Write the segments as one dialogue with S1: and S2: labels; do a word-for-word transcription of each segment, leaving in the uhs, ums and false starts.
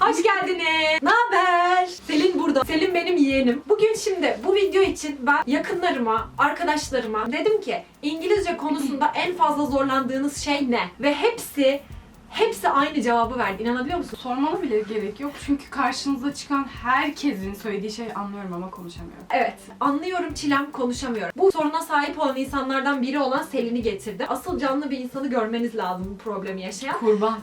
S1: Hoş geldiniz. Ne haber? Selin burada. Selin benim yeğenim. Bugün şimdi bu video için ben yakınlarıma, arkadaşlarıma dedim ki İngilizce konusunda en fazla zorlandığınız şey ne? Ve hepsi Hepsi aynı cevabı verdi. İnanabiliyor musun?
S2: Sormama bile gerek yok çünkü karşınıza çıkan herkesin söylediği şeyi anlıyorum ama konuşamıyorum.
S1: Evet, anlıyorum Çilem, konuşamıyorum. Bu soruna sahip olan insanlardan biri olan Selin'i getirdim. Asıl canlı bir insanı görmeniz lazım bu problemi yaşayan.
S2: Kurban.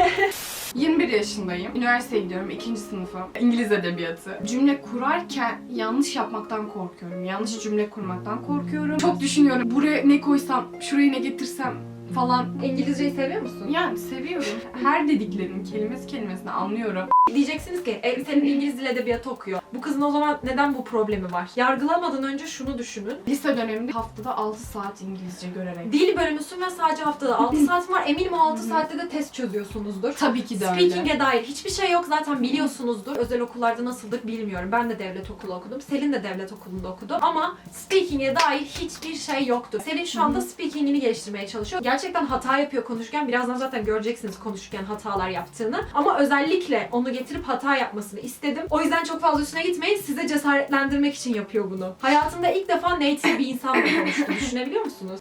S2: yirmi bir yaşındayım. Üniversiteye gidiyorum. ikinci sınıfım. İngiliz edebiyatı. Cümle kurarken yanlış yapmaktan korkuyorum. Yanlış cümle kurmaktan korkuyorum. Çok düşünüyorum. Buraya ne koysam, şuraya ne getirsem falan.
S1: İngilizceyi seviyor musun?
S2: Yani seviyorum. Her dediklerinin kelimesi kelimesini anlıyorum.
S1: Diyeceksiniz ki e, senin İngiliz dil edebiyatı okuyor. Bu kızın o zaman neden bu problemi var? Yargılamadan önce şunu düşünün.
S2: Lise döneminde haftada altı saat İngilizce görerek.
S1: Dil bölümüsün ve sadece haftada altı saat var. Eminim o altı saatte de test çözüyorsunuzdur.
S2: Tabii ki de öyle.
S1: Speaking'e dair hiçbir şey yok, zaten biliyorsunuzdur. Özel okullarda nasıldır bilmiyorum. Ben de devlet okulu okudum. Selin de devlet okulunda okudu. Ama speaking'e dair hiçbir şey yoktu. Selin şu anda speaking'ini geliştirmeye çalışıyor. Gerçekten hata yapıyor konuşurken. Birazdan zaten göreceksiniz konuşurken hatalar yaptığını. Ama özellikle onu getirip hata yapmasını istedim. O yüzden çok fazla üstüne gitmeyin. Size cesaretlendirmek için yapıyor bunu. Hayatında ilk defa native bir insanla konuştu. Düşünebiliyor musunuz?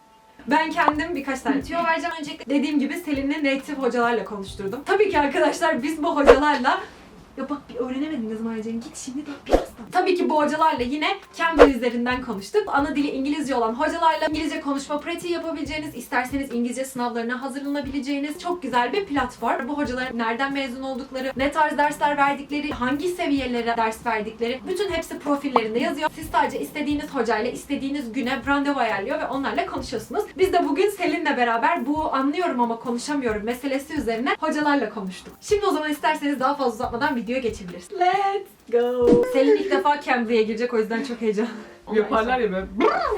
S1: Ben kendim birkaç tane tüyo vereceğim. Öncelikle dediğim gibi Selin'i native hocalarla konuşturdum. Tabii ki arkadaşlar biz bu hocalarla... Ya bak bir öğrenemedin ne zaman öğreneceğini. Git şimdi de birazdan. Tabii ki bu hocalarla yine Cambly üzerinden konuştuk. Ana dili İngilizce olan hocalarla İngilizce konuşma pratiği yapabileceğiniz, isterseniz İngilizce sınavlarına hazırlanabileceğiniz çok güzel bir platform. Bu hocaların nereden mezun oldukları, ne tarz dersler verdikleri, hangi seviyelere ders verdikleri, bütün hepsi profillerinde yazıyor. Siz sadece istediğiniz hocayla istediğiniz güne randevu ayarlıyor ve onlarla konuşuyorsunuz. Biz de bugün Selin'le beraber bu anlıyorum ama konuşamıyorum meselesi üzerine hocalarla konuştuk. Şimdi o zaman isterseniz daha fazla uzatmadan videoya geçebiliriz. Let's go. Selin ilk defa Cambly'e girecek, o yüzden çok heyecanlı.
S2: Yaparlar ya böyle.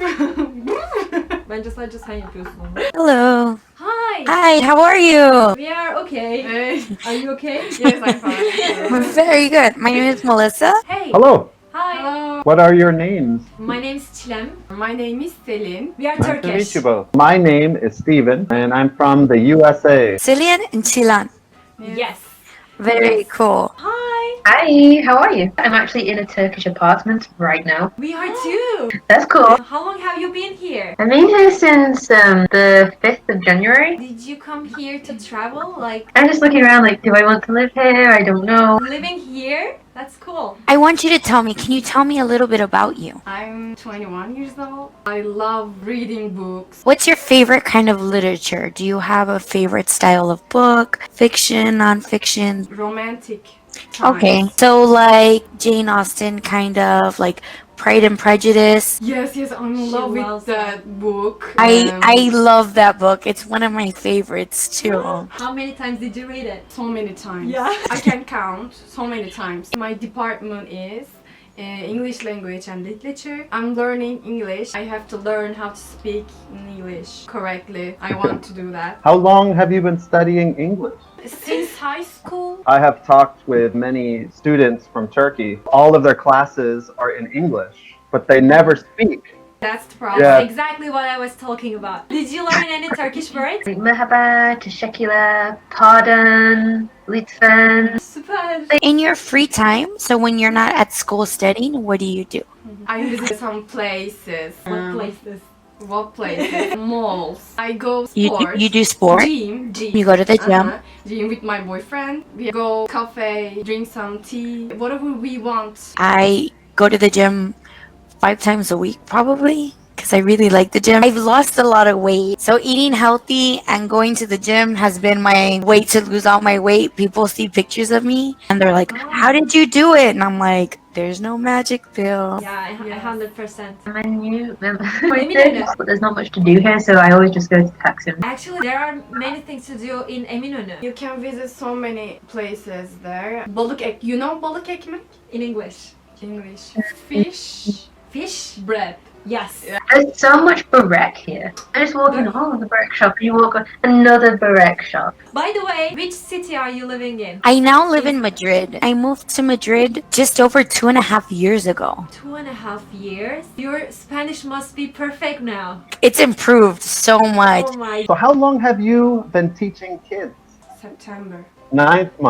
S1: Bence sadece sen yapıyorsun onu.
S3: Hello.
S1: Hi.
S3: Hi, how are you?
S1: We are okay.
S2: Evet.
S1: Are you okay?
S2: Yes, I'm fine.
S3: Very good. My name is Melissa.
S1: Hey.
S4: Hello,
S1: Hi.
S2: Hello.
S4: what are your names?
S1: My name is Çilem.
S2: My name is Selin.
S1: We are
S4: Nice to meet
S1: Turkish.
S4: you both. My name is Steven, and I'm from the U S A.
S3: Cillian and Chilan.
S1: Yes.
S3: Very cool.
S1: Hi.
S5: Hi, how are you? I'm actually in a Turkish apartment right now.
S1: We are too.
S5: That's cool.
S1: How long have you been here?
S5: I've been here since um, the fifth of January.
S1: Did you come here to travel? Like
S5: I'm just looking around like, do I want to live here? I don't know.
S1: living here? That's cool.
S3: I want you to tell me, can you tell me a little bit about you?
S2: I'm twenty-one years old. I love reading books.
S3: What's your favorite kind of literature? Do you have a favorite style of book? Fiction, nonfiction?
S2: Romantic times.
S3: Okay. So like Jane Austen, kind of like Pride and Prejudice.
S2: Yes, yes, I'm in
S1: She
S2: love
S1: loves
S2: with that book.
S3: I
S2: Um,
S3: I love that book. It's one of my favorites too.
S1: How many times did you read it?
S2: so many times.
S1: Yeah.
S2: I can count so many times. My department is uh, English language and literature. I'm learning English. I have to learn how to speak in English correctly. I want to do that.
S4: How long have you been studying English?
S2: Since high school,
S4: I have talked with many students from Turkey. All of their classes are in English, but they never speak.
S2: that's the problem.
S4: Yeah.
S1: Exactly what I was talking about. Did you learn any Turkish words?
S5: Merhaba, teşekkürler, pardon, lütfen.
S1: Super.
S3: In your free time, so when you're not at school studying, what do you do?
S2: I visit some places.
S1: What
S2: Um,
S1: places?
S2: What places? Malls. I go
S3: You
S2: sports.
S3: you do sport.
S2: Gym, gym.
S3: You go to the gym.
S2: Uh-huh. Gym with my boyfriend. We go cafe, drink some tea, whatever we want.
S3: I go to the gym five times a week, probably, because I really like the gym. I've lost a lot of weight, so eating healthy and going to the gym has been my way to lose all my weight. People see pictures of me and they're like, "How did you do it?" And I'm like, "There's no magic pill."
S1: Yeah, I- I
S2: Yes.
S1: one hundred percent.
S5: I'm a new member.
S1: Eminönü.
S5: But there's not much to do here, so I always just go to Taksim.
S1: Actually, there are many things to do in Eminönü.
S2: You can visit so many places there. Balık ek, you know balık ekmek?
S1: In English.
S2: English. Fish.
S1: Fish?
S2: Bread.
S1: Yes.
S5: There's so much barek here. I just walk in, oh, the barek shop, and you walk on another barek shop.
S1: By the way, which city are you living in?
S3: I now live in Madrid. I moved to Madrid just over two and a half years ago.
S1: Two and a half years? Your Spanish must be perfect now.
S3: It's improved so much.
S1: Oh my.
S4: So how long have you been teaching kids?
S2: September.
S4: Ninth month.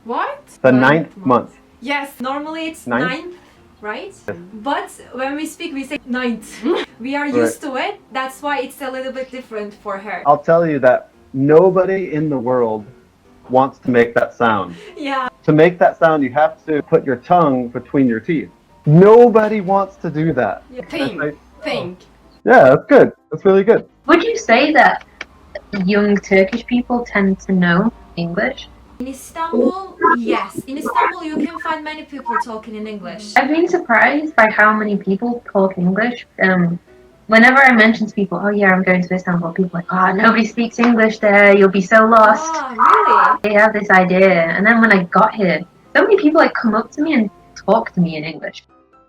S2: What?
S4: The ninth month.
S2: Yes.
S1: Normally it's
S4: Ninth?
S1: ninth, right? But when we speak, we say ninth. We are
S4: Right.
S1: used to it. That's why it's a little bit different for her.
S4: I'll tell you that nobody in the world wants to make that sound.
S1: Yeah.
S4: To make that sound, you have to put your tongue between your teeth. Nobody wants to do that.
S2: Think.
S4: Like,
S2: Think.
S4: yeah, that's good. That's really good.
S5: Would you say that young Turkish people tend to know English?
S1: In Istanbul, yes. In Istanbul, you can find many people talking in English.
S5: I've been surprised by how many people talk English. Um, whenever I mention to people, oh yeah, I'm going to Istanbul, people are like, oh, nobody speaks English there, you'll be so lost.
S1: Ah, really?
S5: They have this idea, and then when I got here, so many people like come up to me and talk to me in English.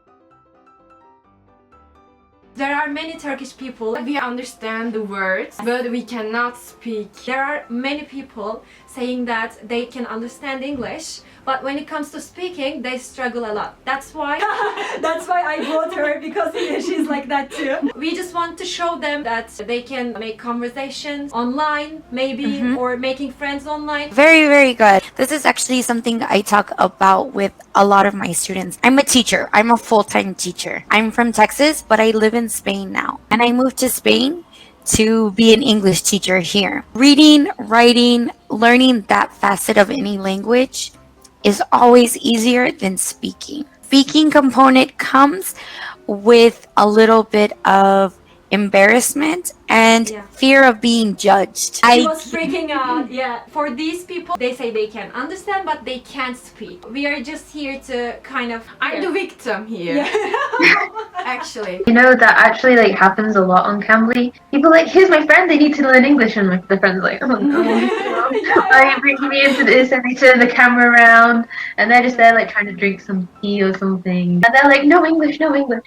S1: There are many Turkish people.
S2: We understand the words, but we cannot speak.
S1: There are many people saying that they can understand English, but when it comes to speaking, they struggle a lot. That's why that's why I brought her, because she's like that too. We just want to show them that they can make conversations online, maybe,
S3: Mhm.
S1: or making friends online.
S3: Very, very good. This is actually something I talk about with a lot of my students. I'm a teacher. I'm a full-time teacher. I'm from Texas, but I live in Spain now. And I moved to Spain to be an English teacher here. Reading, writing, learning that facet of any language is always easier than speaking. Speaking component comes with a little bit of embarrassment and
S1: Yeah.
S3: fear of being judged.
S1: I
S3: I
S1: was freaking out. Yeah. For these people, they say they can understand, but they can't speak. We are just here to kind of.
S2: I'm the victim here.
S1: Yeah.
S2: Actually.
S5: You know, that actually like happens a lot on Cambly. People are like, here's my friend, they need to learn English, and my the friend's like, oh no. Are you bringing me into this? And they turn the camera around, and they're just there like trying to drink some tea or something. And they're like, no English, no English.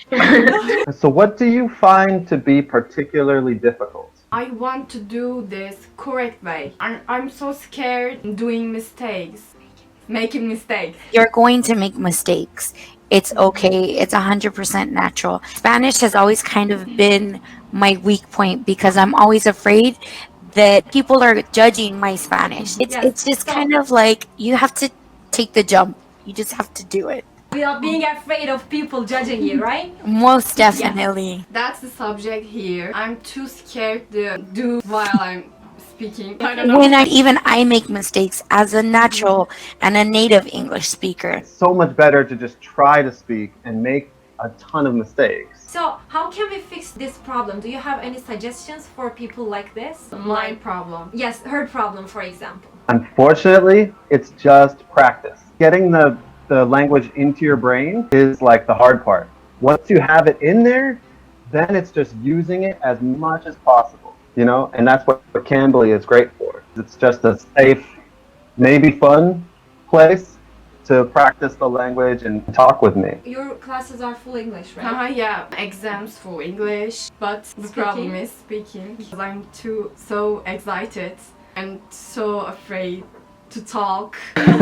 S4: So, what do you find to be particularly difficult?
S2: I want to do this correct way. I'm, I'm so scared doing mistakes. Making mistakes.
S3: You're going to make mistakes. It's okay. It's one hundred percent natural. Spanish has always kind of been my weak point because I'm always afraid that people are judging my Spanish. It's
S1: Yes.
S3: it's just kind of like you have to take the jump. You just have to do it.
S1: Without being afraid of people judging you, right?
S3: Most definitely.
S2: That's the subject here. I'm too scared to do while I'm speaking. I don't know.
S3: When I even I make mistakes as a natural and a native English speaker.
S4: It's so much better to just try to speak and make a ton of mistakes.
S1: So, how can we fix this problem? Do you have any suggestions for people like this?
S2: My problem.
S1: Yes, her problem, for example.
S4: Unfortunately, it's just practice. Getting the, the language into your brain is like the hard part. Once you have it in there, then it's just using it as much as possible, you know? And that's what, what Cambly is great for. It's just a safe, maybe fun place to practice the language and talk with me.
S1: Your classes are full English, right?
S2: Haha, yeah, exams for English, but the
S1: Speaking?
S2: problem is speaking. Because I'm too so excited and so afraid to talk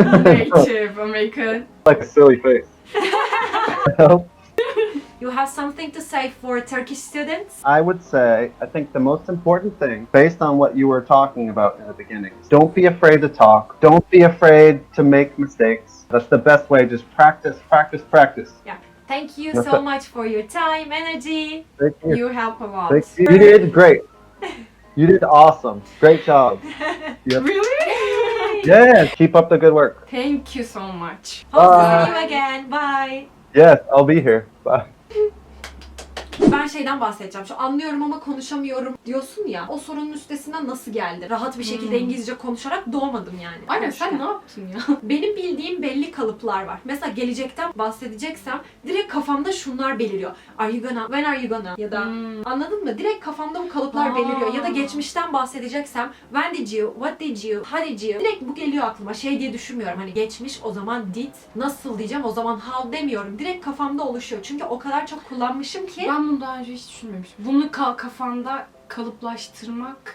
S2: native American.
S4: Like a silly face.
S1: You have something to say for Turkish students?
S4: I would say, I think the most important thing, based on what you were talking about in the beginning, is don't be afraid to talk. Don't be afraid to make mistakes. That's the best way. Just practice, practice, practice.
S1: Thank you
S4: That's
S1: so
S4: it.
S1: much for your time, energy.
S4: Thank you.
S2: You help a lot.
S4: Thank you. You did great. You did awesome. Great job. Yep.
S2: Really?
S4: Yeah, keep up the good work.
S2: Thank you so much.
S1: Hope to
S4: Bye.
S1: see you again. Bye.
S4: Yes, I'll be here. Bye.
S1: Ben şeyden bahsedeceğim. Şu anlıyorum ama konuşamıyorum diyorsun ya. O sorunun üstesinden nasıl geldi? Rahat bir şekilde İngilizce konuşarak doğmadım yani.
S2: Aynen,
S1: Konuşken.
S2: sen ne yaptın ya?
S1: Benim bildiğim belli kalıplar var. Mesela gelecekten bahsedeceksem direkt kafamda şunlar beliriyor. Are you gonna? When are you gonna? Ya da
S2: Hmm.
S1: anladın mı? Direkt kafamda bu kalıplar
S2: Aa.
S1: beliriyor. Ya da geçmişten bahsedeceksem when did you? What did you? How did you? Direkt bu geliyor aklıma. Şey diye düşünmüyorum. Hani geçmiş o zaman did. Nasıl diyeceğim o zaman how demiyorum. Direkt kafamda oluşuyor. Çünkü o kadar çok kullanmışım ki.
S2: Ben bunu daha önce hiç düşünmemiştim. Bunu ka- kafanda kalıplaştırmak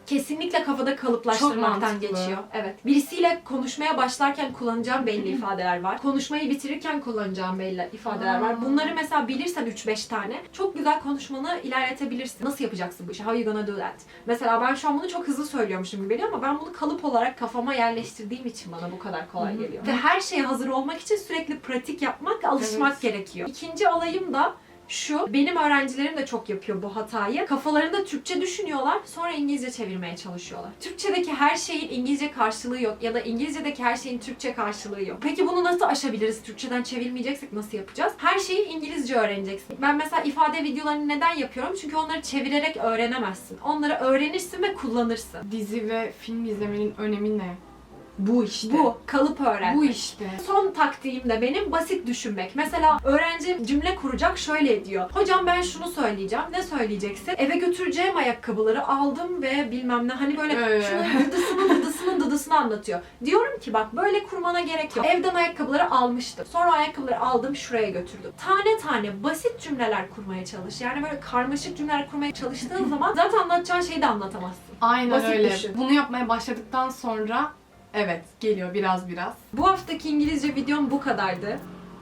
S1: kesinlikle kafada
S2: Çok
S1: kalıplaştırmaktan
S2: mantıklı.
S1: geçiyor. Evet. Birisiyle konuşmaya başlarken kullanacağım belli ifadeler var. Konuşmayı bitirirken kullanacağım belli ifadeler var.
S2: Aa.
S1: Bunları mesela bilirsen üç beş tane çok güzel konuşmanı ilerletebilirsin. Nasıl yapacaksın bu işi? How you gonna do that? Mesela ben şu an bunu çok hızlı söylüyormuşum gibi geliyor ama ben bunu kalıp olarak kafama yerleştirdiğim için bana bu kadar kolay
S2: Hı hı.
S1: geliyor. Ve her şeye hazır olmak için sürekli pratik yapmak, alışmak
S2: Evet.
S1: gerekiyor. İkinci olayım da şu, benim öğrencilerim de çok yapıyor bu hatayı. Kafalarında Türkçe düşünüyorlar, sonra İngilizce çevirmeye çalışıyorlar. Türkçedeki her şeyin İngilizce karşılığı yok ya da İngilizce'deki her şeyin Türkçe karşılığı yok. Peki bunu nasıl aşabiliriz? Türkçeden çevirmeyeceksek nasıl yapacağız? Her şeyi İngilizce öğreneceksin. Ben mesela ifade videolarını neden yapıyorum? Çünkü onları çevirerek öğrenemezsin. Onları öğrenirsin ve kullanırsın.
S2: Dizi ve film izlemenin önemi ne? Bu işte.
S1: Bu, kalıp öğrenmek.
S2: Bu işte.
S1: Son taktiğim de benim basit düşünmek. Mesela öğrenci cümle kuracak, şöyle diyor. Hocam ben şunu söyleyeceğim. Ne söyleyeceksin? Eve götüreceğim ayakkabıları aldım ve bilmem ne. Hani böyle
S2: Evet.
S1: şunun dıdısının dıdısının dıdısını anlatıyor. Diyorum ki bak böyle kurmana gerek yok. Evden ayakkabıları almıştım. Sonra ayakkabıları aldım şuraya götürdüm. Tane tane basit cümleler kurmaya çalış. Yani böyle karmaşık cümleler kurmaya çalıştığın zaman zaten anlatacağın şeyi de anlatamazsın.
S2: Aynen
S1: Basit
S2: öyle.
S1: düşün.
S2: Bunu yapmaya başladıktan sonra evet geliyor biraz biraz.
S1: Bu haftaki İngilizce videom bu kadardı.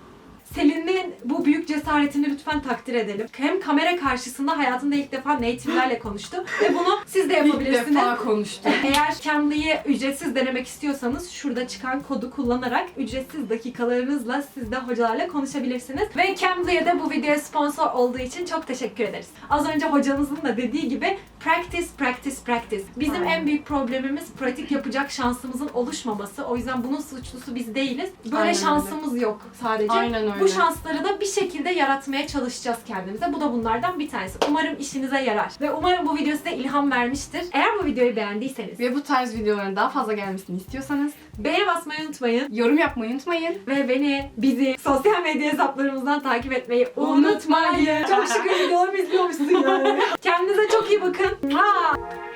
S1: Selin'in bu büyük cesaretini lütfen takdir edelim. Hem kamera karşısında hayatında ilk defa native'lerle konuştu ve bunu siz de
S2: İlk
S1: yapabilirsiniz.
S2: defa konuştum.
S1: Eğer Cambly'i ücretsiz denemek istiyorsanız şurada çıkan kodu kullanarak ücretsiz dakikalarınızla siz de hocalarla konuşabilirsiniz. Ve Cambly'e de bu videoya sponsor olduğu için çok teşekkür ederiz. Az önce hocamızın da dediği gibi practice, practice, practice. Bizim
S2: Aynen.
S1: en büyük problemimiz pratik yapacak şansımızın oluşmaması. O yüzden bunun suçlusu biz değiliz. Böyle
S2: Aynen öyle.
S1: şansımız yok sadece.
S2: Aynen öyle.
S1: Bu şansları da bir şekilde yaratmaya çalışacağız kendimize. Bu da bunlardan bir tanesi. Umarım işinize yarar. Ve umarım bu video size ilham vermiştir. Eğer bu videoyu beğendiyseniz
S2: Ve bu tarz videoların daha fazla gelmesini istiyorsanız
S1: beğeni basmayı unutmayın.
S2: yorum yapmayı unutmayın.
S1: Ve beni, bizi sosyal medya hesaplarımızdan takip etmeyi unutmayın. Çok şükür videolarımı izliyormuşsun yani. Kendinize çok iyi bakın. Mua!